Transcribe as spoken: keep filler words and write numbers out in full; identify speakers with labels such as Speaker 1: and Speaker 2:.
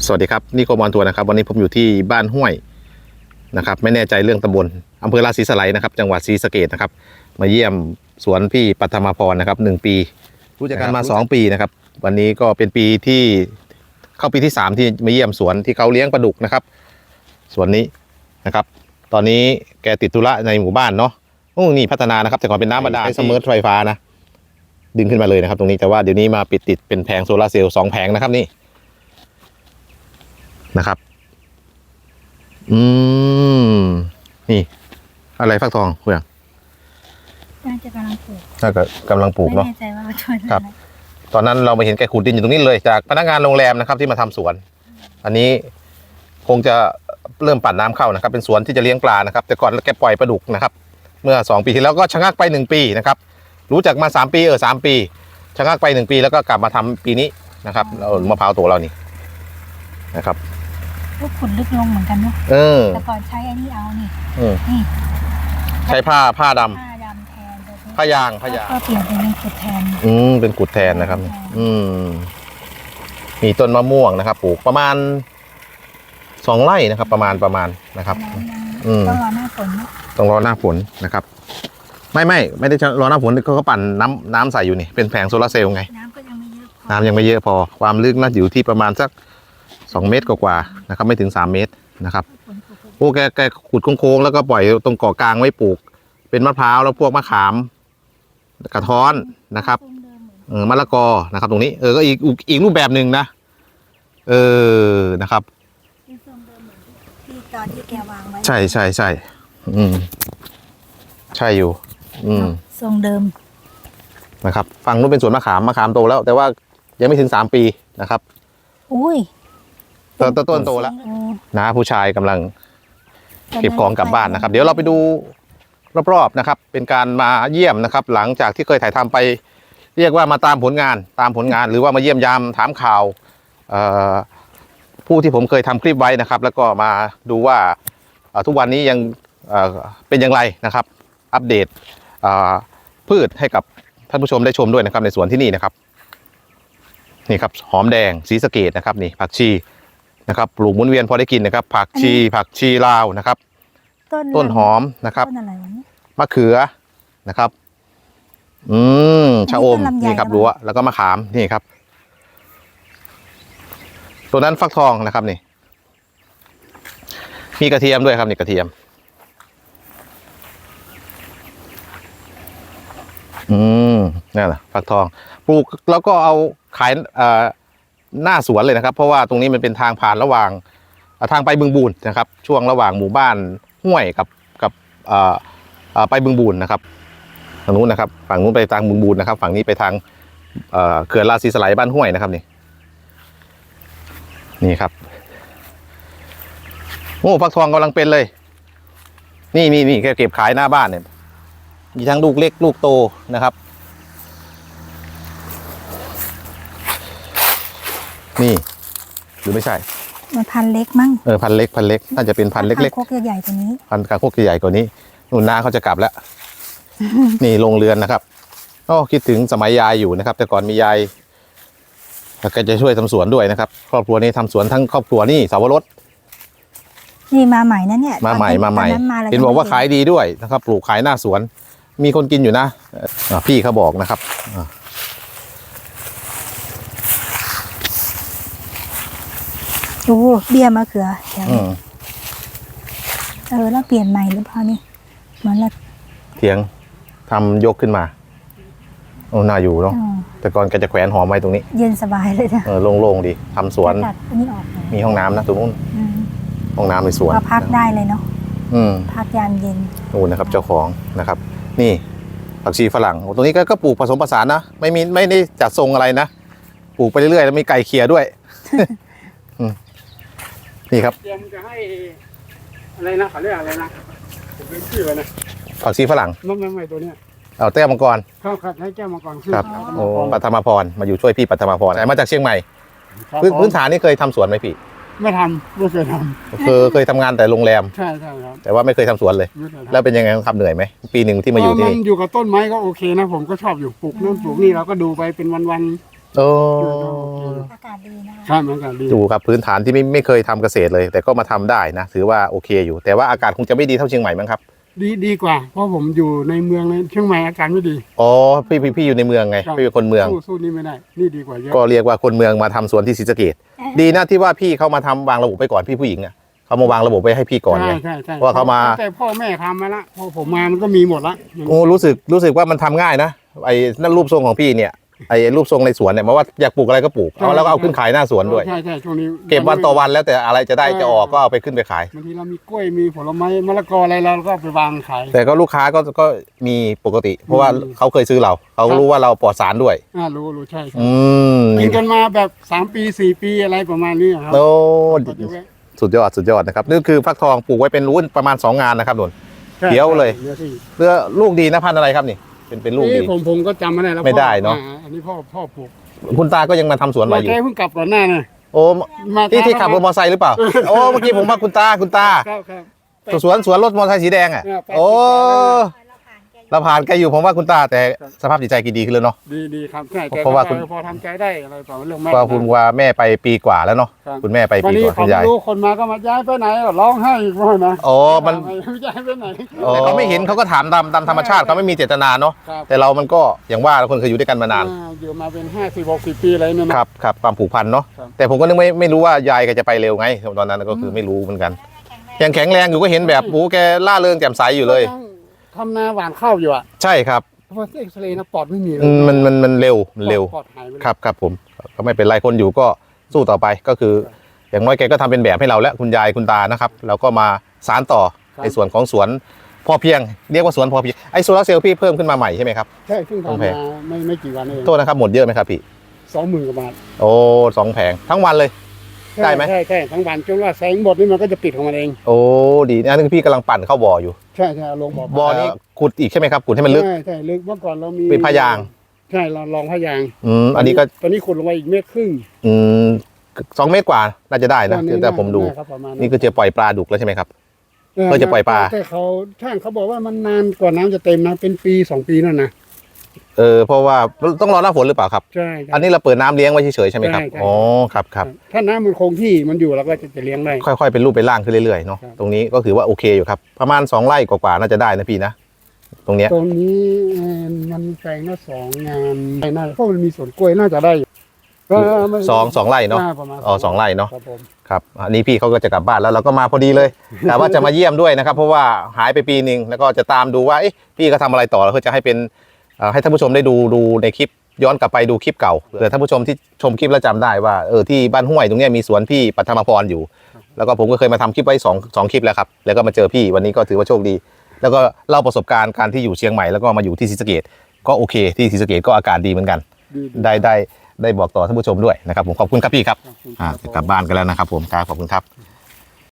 Speaker 1: สวัสดีครับนี่โคมอนทัวร์นะครับวันนี้ผมอยู่ที่บ้านห้วยนะครับไม่แน่ใจเรื่องตำบลอำเภอราศีสไลนะครับจังหวัดศรีสะเกษนะครับมาเยี่ยมสวนพี่ปัทมาพรนะครับหนึ่งปีรู้จักกันมาสองปีนะครับวันนี้ก็เป็นปีที่เข้าปีที่สามที่มาเยี่ยมสวนที่เขาเลี้ยงปลาดุกนะครับสวนนี้นะครับตอนนี้แกติดธุระในหมู่บ้านเนาะโอ้นี่พัฒนานะครับแต่ก่อนเป็นน้ำบาดาลใช้เสมอไฟฟ้านะดึงขึ้นมาเลยนะครับตรงนี้แต่ว่าเดี๋ยวนี้มาปิดติดเป็นแผงโซลาร์เซลล์สองแผงนะครับนี่นะครับอืมนี่อะไรฟักทองคุณยัง
Speaker 2: น่าจะกำลังปลูก
Speaker 1: น่าจะกำลังปลูกเนาะ
Speaker 2: ไม่แน่ใจว่าต้นอะไร
Speaker 1: ครับตอนนั้นเราไปเห็นแกขุดดินอยู่ตรงนี้เลยจากพนักงานโรงแรมนะครับที่มาทำสวนอันนี้คงจะเริ่มปั่นน้ำเข้านะครับเป็นสวนที่จะเลี้ยงปลานะครับแต่ก่อนแกปล่อยปลาดุกนะครับเมื่อสองปีที่แล้วก็ชะงักไปหนึ่งปีนะครับรู้จักมาสามปีเออสามปีชะงักไปหนึ่งปีแล้วก็กลับมาทำปีนี้นะครับเรามะพร้าวตัวเรานี่นะครับ
Speaker 2: ก็ขุดลึกลงเหมือนกันเนาะ
Speaker 1: เออ
Speaker 2: แต่ก่อนใช้อันนี้เอานี่
Speaker 1: นี่ใช้ผ้าผ้าดำ
Speaker 2: ผ้าดำแทน
Speaker 1: ผ้ายางผ้ายาง
Speaker 2: ก็เปลี่ยนเป็นกุดแทน
Speaker 1: อืมเป็นกุดแทนนะครับอืมมีต้นมะม่วงนะครับปลูกประมาณสองไร่นะครับประมาณประมาณนะครับ
Speaker 2: อืมต้องรอหน้าฝน
Speaker 1: ต้องรอหน้าฝนนะครับไม่ไม่ไม่ได้รอหน้าฝนเขาก็ปั่นน้ำน้ำใส่อยู่นี่เป็นแผงโซลาร์เซลล์ไง
Speaker 2: น้ำก็ยังไม่เยอะ
Speaker 1: น้ำยังไม่เยอะพอความลึกน่าอยู่ที่ประมาณสักสองเมตรกว่าๆนะครับไม่ถึงสามเมตรนะครับโอ้แกแกขุดโค้งๆแล้วก็ปล่อยตรงเกาะกลางไว้ปลูกเป็นมะพร้าวแล้วพวกมะขามกระท้อนนะครับเออมะละกอนะครับตรงนี้เออก็อีกอีกรูปแบบหนึ่งนะเออนะครับ
Speaker 2: ที่ตอนที่แกวางไว้
Speaker 1: ใช่ใช่ใช่อืมใช่อยู่อืม
Speaker 2: ทรงเดิม
Speaker 1: นะครับฝั่งนู้นเป็นสวนมะขามมะขามโตแล้วแต่ว่ายังไม่ถึงสามปีนะครับ
Speaker 2: อุ้ย
Speaker 1: ต้นต้นโตแล้วนะผู้ชายกำลังเก็บของกลับบ้านนะครับเดี๋ยวเราไปดูรอบๆนะครับเป็นการมาเยี่ยมนะครับหลังจากที่เคยถ่ายทำไปเรียกว่ามาตามผลงานตามผลงานหรือว่ามาเยี่ยมยามถามข่าวผู้ที่ผมเคยทำคลิปไว้นะครับแล้วก็มาดูว่าทุกวันนี้ยังเป็นอย่างไรนะครับอัปเดตพืชให้กับท่านผู้ชมได้ชมด้วยนะครับในสวนที่นี่นะครับนี่ครับหอมแดงศรีสะเกษนะครับนี่ผักชีนะครับปลูกหมุนเวียนพอได้กินนะครับผักชีผักชีลาวนะครับต้นหอมนะครับมะเขือนะครับอืมชะอมนี่ครับรั้วแล้วก็มะขามนี่ครับตัวนั้นฟักทองนะครับนี่มีกระเทียมด้วยครับนี่กระเทียมอืมนี่แหละฟักทองปลูกแล้วก็เอาขายหน้าสวนเลยนะครับเพราะว่าตรงนี้มันเป็นทางผ่านระหว่างทางไปบึงบูนนะครับช่วงระหว่างหมู่บ้านห้วยกับกับไปบึงบูนนะครับทางนู้นนะครับฝั่งนู้นไปทางบึงบูนนะครับฝั่งนี้ไปทางเขื่อนราศีสไลบ้านห้วยนะครับนี่นี่ครับโอ้ฟักทองกำลังเป็นเลยนี่นี่นี่แกเก็บขายหน้าบ้านเนี่ยมีทั้งลูกเล็กลูกโตนะครับนี่หรือไม่ใช่
Speaker 2: มันพันเล็กมั้ง
Speaker 1: เออพันเล็กพันเล็กน่าจะเป็นพันเล็กๆ
Speaker 2: คางคกใหญ่กว่านี้
Speaker 1: พันคางคกใหญ่กว่านี้นุ่นน้าเขาจะกลับแล้ว นี่โรงเรือนนะครับโอ้คิดถึงสมัยยายอยู่นะครับแต่ก่อนมียายแกจะช่วยทำสวนด้วยนะครับครอบครัวนี้ทำสวนทั้งครอบครัวนี่สาวรส
Speaker 2: นี่มาใหม่นะเนี่ย
Speaker 1: มาใหม่มาใหม่เห็นบอกว่าขายดีด้วยนะครับปลูกขายหน้าสวนมีคนกินอยู่นะพี่เขาบอกนะครับ
Speaker 2: โอ้เบี้ยมะเขือเออแล้วเปลี่ยนใหม่หรือเปล่านี่เหมือนละ
Speaker 1: เถียงทำยกขึ้นมาโอ้น่าอยู่เนาะแต่ก่อนแกจะแขวนหอมไว้ตรงนี้
Speaker 2: เย็นสบายเลยนะ
Speaker 1: เออโล่งๆดีทำสวนมีห้องน้ำนะตรงนู้นห้องน้ำในสวน
Speaker 2: ก็พักได้เลยเนาะพักยามเย็น
Speaker 1: โอ้นะครับเจ้าของนะครับนี่ผักชีฝรั่งตรงนี้ก็ปลูกผสมผสานนะไม่มีไม่ได้จัดทรงอะไรนะปลูกไปเรื่อยๆแล้วมีไก่เคียด้วยนี่ครับ
Speaker 3: เตรียมจะให้อะไรนะเขาเรียกอะไรนะผมเป็นชื่อนะ
Speaker 1: ผักชีฝรั่ง
Speaker 3: ไม่ไม่ไม่ตัวเนี้ย
Speaker 1: เอาแก้วมังกร
Speaker 3: ครับครับให้แก้วมังกร
Speaker 1: ครับโอ้ปัทมาพรมาอยู่ช่วยพี่ปัทมาพรมาจากเชียงใหม่พื้นฐานนี่เคยทำสวนไหมพี่
Speaker 3: ไม่ทำไม่เคยทำ
Speaker 1: เคยเคยทำงานแต่โรงแรม
Speaker 3: ใช่ใช่ครับ
Speaker 1: แต่ว่าไม่เคยทำสวนเลยแล้วเป็นยังไงทำเหนื่อยไหมปีหนึ่งที่มาอยู่ที่นี่
Speaker 3: อยู่กับต้นไม้ก็โอเคนะผมก็ชอบอยู่ปลูกนู่นปลูกนี่เราก็ดูไปเป็นวันๆ
Speaker 1: โอ้
Speaker 2: อากาศดีนะคะ
Speaker 3: ครับเหมือนกันดี
Speaker 1: ดูครับพื้นฐานที่ไม่ไม่เคยทำเกษตรเลย แต่ก็มาทำได้นะถือว่าโอเคอยู่ แต่ว่าอากาศคงจะไม่ดีเท่าเชียงใหม่มั้งครับ
Speaker 3: ดีดีกว่า เพราะผมอยู่ในเมืองในเชียงใหม่อาการไม่ดี
Speaker 1: อ๋อพี่พี่พี่อยู่ในเมืองไง
Speaker 3: ครับ
Speaker 1: พี่เป็นคนเมือง
Speaker 3: สู้สู้นี่ไม่ได้ นี่ดีกว่าเยอะ
Speaker 1: ก็เรียกว่าคนเมืองมาทำสวนที่ศรีสะเกษดีนะที่ว่าพี่เขามาทำวางระบบไปก่อนพี่ผู้หญิงอ่ะเขามาวางระบบไปให้พี่ก่อนไง
Speaker 3: ใช่ใช่ใช่
Speaker 1: ว่าเขามา
Speaker 3: แต่พ่อแม่ทำมาละพอผมมามันก็มีหมดละ
Speaker 1: โอ้รู้สึกรู้สึกว่ามันทำง่ายนะไอ้นั่นรูปทรงของพี่เนี่ยไอ้รูปทรงในสวนเนี่ยมาว่าอยากปลูกอะไรก็ปลูกเอาแล้วก็เอาขึ้นขายหน้าสวนด้วย
Speaker 3: ใช่ใช่ช่วงนี้
Speaker 1: เก็บวันต่อวันแล้วแต่อะไรจะได้จะออกก็เอาไปขึ้นไปขาย
Speaker 3: บางทีเรามีกล้วยมีผลไม้มะละกออะไรเราก็เอาไปวางขาย
Speaker 1: แต่ก็ลูกค้าก็ก็มีปกติ เพราะว่า
Speaker 3: อืม
Speaker 1: เขาเคยซื้อเราเขา
Speaker 3: ครับ
Speaker 1: รู้ว่าเราปลอดสารด้วย
Speaker 3: อ่ารู้รู้ใช่ใช่
Speaker 1: อืม
Speaker 3: กินกันมาแบบสามปีสี่ปีอะไรประมาณนี้ครับ
Speaker 1: โอ้
Speaker 3: ก็จะแวะ
Speaker 1: สุดยอดสุดยอดนะครับนี่คือฟักทองปลูกไว้เป็นรุ่นประมาณสองงานนะครับหนุน
Speaker 3: ใช่
Speaker 1: เดี๋ยวเลย
Speaker 3: นื้อที่
Speaker 1: เรือลูกดีนะพันธุ์อะไรครับนี่เป็นเป็นลูกดี
Speaker 3: นี่ผมผมก็จำไม่ได้แล้ว
Speaker 1: ไม่ได้เนอะ
Speaker 3: พ่ออ่อันนี้พ่อพ่อปลูก
Speaker 1: คุณตาก็ยังมาทำสวนมาอยู่
Speaker 3: แกเพิ่งกลับก่อนหน้าน่ะ
Speaker 1: โอ้
Speaker 3: มา
Speaker 1: ที่ที่ขับรถมอเตอร์ไซค์หรือเปล่า โอ้เมื่อกี้ผมว่าคุณตาคุณตา
Speaker 3: ครับครับ
Speaker 1: สวนสวนรถมอเตอร์ไซค์สีแดงอ่ะ
Speaker 3: เออไป
Speaker 1: โอ้
Speaker 2: เราผ่านแกอยู่
Speaker 1: เราผ่านแกอยู่ผมว่าคุณตาแต่สภาพจิตใจแกดีขึ้นแล้วเนาะ
Speaker 3: ดีดีครับใช่แต่
Speaker 1: เพราะว่าคุณ
Speaker 3: พอทำใจได้อะไรต่อเรื่องแม่
Speaker 1: ก็คุณว่าแม่ไปปีกว่าแล้วเนาะ
Speaker 3: ครับ
Speaker 1: คุณแม่ไป
Speaker 3: วัน
Speaker 1: ปี
Speaker 3: นี้
Speaker 1: กว่า
Speaker 3: ผ
Speaker 1: คุ
Speaker 3: ม
Speaker 1: ณยาย
Speaker 3: รู้คนมาก็มาย้ายไปไหนก็ร้องไห้อีกว่านะ
Speaker 1: โอ้มัน
Speaker 3: ย้ายไปไหน
Speaker 1: แต่เขาไม่เห็นเขาก็ถามตามตามธรรมชาติเขาไม่มีเจตนาเนาะ
Speaker 3: ครับ
Speaker 1: แต่เรามันก็อย่างว่าเราคนเคยอยู่ด้วยกันมานาน
Speaker 3: อ่อยู่มาเป็นห้าสิบหกสิบปีอะไรเนี่ยนะครับ
Speaker 1: ครับความผูกพันเนาะ
Speaker 3: ครับ
Speaker 1: แต่ผมก็นึกไม่ไม่รู้ว่ายายแกจะไปเร็วไงตอนนั้นก็คือไม่รู้เหมือนกัน
Speaker 2: แข็งแรง
Speaker 1: ยังแข็งแรงอยู่ก็เห็นแบบโอ้แกล่าเริงแจ่มใสอยู่เลย
Speaker 3: ทำนาหวานข้าวอยู่อ่ะ
Speaker 1: ใช่ครับ
Speaker 3: เพราะว่าเอ็กซเรย์นะปอดไม่มีเล
Speaker 1: อื
Speaker 3: ย
Speaker 1: มมันมันมันเร็วมันเร็ว
Speaker 3: ปอดหายไปเลย
Speaker 1: ครับครับผมก็ไม่เป็นไรคนอยู่ก็สู้ต่อไปก็คือ อย่างน้อยแกก็ทำเป็นแบบให้เราแล้วคุณยายคุณตานะครับเราก็มาสานต่อในส่วนของสวนพอเพียงเรียกว่าสวนพอเพียงไอ้โซลาร์เซลล์พี่เพิ่มขึ้นมาใหม่ใช่ไหมครับ
Speaker 3: ใช่เพิ่ง
Speaker 1: ต้องแพ
Speaker 3: ทำ
Speaker 1: ง
Speaker 3: มาไม่ไม่กี่วันเอง
Speaker 1: โทษนะครับหมดเยอะไหมครับพี่
Speaker 3: สองหมื่นกว่าบาท
Speaker 1: โอ้สองแผงทั้งวันเลย ได้ไหม
Speaker 3: ใช่ใช่ทั้งวันจนว่าแสงหมดนี่มันก็จะปิดของมันเอง
Speaker 1: โอ้ดีนะนี่พี่กำลังปั่นเข้าบ่ออยู่
Speaker 3: ใช่ใช่เอาลงบ่อ
Speaker 1: บ่อนี้ขุดอีกใช่ไหมครับขุดให้มันลึก
Speaker 3: ใช่ใช่ลึกเมื่อก่อนเรามี
Speaker 1: เป็นพยาง
Speaker 3: ใช่เราลองพยาง
Speaker 1: อืมอันนี้ก็
Speaker 3: ตอนนี้ขุดลงไปอีกเมตรครึ่ง
Speaker 1: อืมสองเมตรกว่าน่าจะได้นะ
Speaker 3: ตอนนี้
Speaker 1: แต่ผมดู
Speaker 3: น่าครับประมาณ
Speaker 1: นี่ก็จะปล่อยปลาดุกแล้วใช่ไหมครับ เพื่อจะปล่อยปลา
Speaker 3: แต่เขาช่างเขาบอกว่ามันนานกว่าน้ำจะเต็มนะเป็นปีสองปีนั่นนะ
Speaker 1: เออเพราะว่าต้องรอหน้าฝนหรือเปล่าครับ
Speaker 3: ใช่ใช่
Speaker 1: อันนี้เราเปิดน้ำเลี้ยงไว้เฉยๆใช่ไหมครับ
Speaker 3: ใช่ใช่
Speaker 1: อ๋อครับครับ
Speaker 3: ถ้าน้ำมันคงที่มันอยู่เราก็จะจะเลี้ยงได้
Speaker 1: ค่อยๆเป็นรูปเป็นร่างขึ้นเรื่อยๆเนาะ
Speaker 3: ครับ
Speaker 1: ตรงนี้ก็ถือว่าโอเคอยู่ครับประมาณสองไร่กว่าๆน่าจะได้นะพี่นะตรงเนี้ย
Speaker 3: ตรงนี้เอ่อมันแปลงละสองงานไม่น่าเพราะมันมีสวนกล้วยน่าจะได้อยู่ก็ไม่
Speaker 1: สองสองไร่เนาะ
Speaker 3: ประมาณ
Speaker 1: อ๋อสองไร่เนาะ
Speaker 3: ครับผม
Speaker 1: ครับอันนี้พี่เขาก็จะกลับบ้านแล้วเราก็มาพอดีเลย แต่ว่าจะมาเยี่ยมด้วยนะครับ เพราะว่าหายไปปีหนึ่งแล้วก็จะตามดูว่าเอ๊ะพี่ก็ทำอะไรต่อแล้วก็จะให้เป็นเอ่อให้ท่านผู้ชมได้ดูดูในคลิปย้อนกลับไปดูคลิปเก่าเผื่อท่านผู้ชมที่ชมคลิปแล้วจำได้ว่าเออที่บ้านห้วยตรงเนี้ยมีสวนพี่ปัทมาพรอยู่ แล้วก็ผมก็เคยมาทำคลิปไว้สองสองคลิปแล้วครับแล้วก็มาเจอพี่วันนี้ก็ถือว่าโชคดี แล้วก็เล่าประสบการณ์การที่อยู่เชียงใหม่แล้วก็มาอยู่ที่ศรีสะเกษก็โอเคที่ศรีสะเกษก็อากาศดีเหมือนกัน
Speaker 3: ดีๆ
Speaker 1: ได้ได้ได้บอกต่อท่านผู้ชมด้วยนะครับผมขอบคุณครับพี่ครับ
Speaker 3: ขอบคุณ
Speaker 1: อ่า
Speaker 3: ครับ
Speaker 1: จะกลับบ้านกันแล้วนะครับผมครับขอบคุณครับ